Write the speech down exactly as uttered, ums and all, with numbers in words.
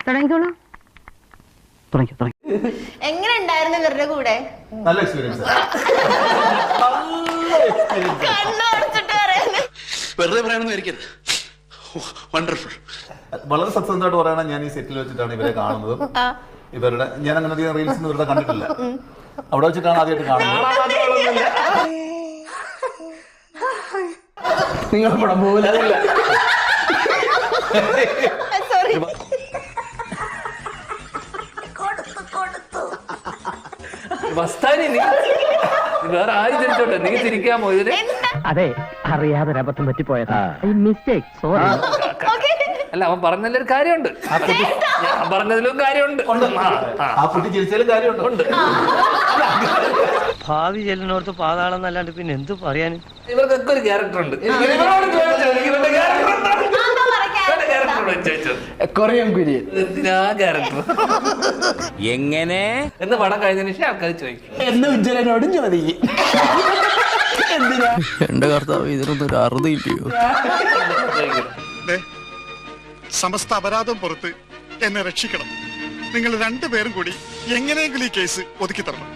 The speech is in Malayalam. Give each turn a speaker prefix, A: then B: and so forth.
A: തുടങ്ങിക്കോളൂ.
B: എങ്ങനെ ഉണ്ടായിരുന്നു ഇവരുടെ കൂടെ?
C: നല്ല എക്സ്പീരിയൻസ്.
D: വെറുതെ പറയണമെന്ന് വണ്ടർഫുൾ.
C: വളരെ സത്യസന്ധമായിട്ട് പറയണ, ഞാൻ ഈ സെറ്റിൽ വെച്ചിട്ടാണ് ഇവരെ കാണുന്നത്. ഇവരുടെ ഞാൻ അങ്ങനെ അധികം റീൽസ് ഇവരുടെ കണ്ടിട്ടില്ല. അവിടെ വെച്ചിട്ടാണ് ആദ്യമായിട്ട് കാണുന്നത്.
E: നിങ്ങൾ പടം പോകില്ല.
F: മസ്താനി, നീ വേറെ ആരും തിരിച്ചോട്ടെ, നീ തിരിക്കാമോ ഇതിന്?
A: അതെ, അറിയാതെ അബദ്ധം പറ്റിപ്പോയതാ. Mistake, sorry.
F: അല്ല, അവൻ പറഞ്ഞതിലൊരു കാര്യമുണ്ട്, ഞാൻ പറഞ്ഞതിലും കാര്യമുണ്ട്.
C: ആ കുട്ടി ചിരിച്ചാലും കാര്യമുണ്ട്.
E: ഭാവി ചെല്ലിനോർത്ത് പാതാളം എന്നല്ലാണ്ട് പിന്നെ എന്ത് പറയാനും.
F: ഇവർക്കൊക്കെ ഒരു ക്യാരക്ടർ ഉണ്ട്.
E: കൊറിയൻ കുര്യൻ
F: എന്തിനാ ക്യാരക്ടർ
G: എങ്ങനെ
F: എന്ന് പടം കഴിഞ്ഞതിന് ശേഷം ആൾക്കാർ ചോദിക്കും.
E: എന്ന് ഉജ്ജ്വലനോടും ചോദിക്കും. എന്തിനാ
G: എന്റെ കർത്താവ് ഇതിനൊന്നും ഒരു അറുതിയില്ലയോ?
D: സമസ്ത അപരാധം പുറത്ത് എന്നെ രക്ഷിക്കണം. നിങ്ങൾ രണ്ടുപേരും കൂടി എങ്ങനെയെങ്കിലും ഈ കേസ് ഒതുക്കി തരണം.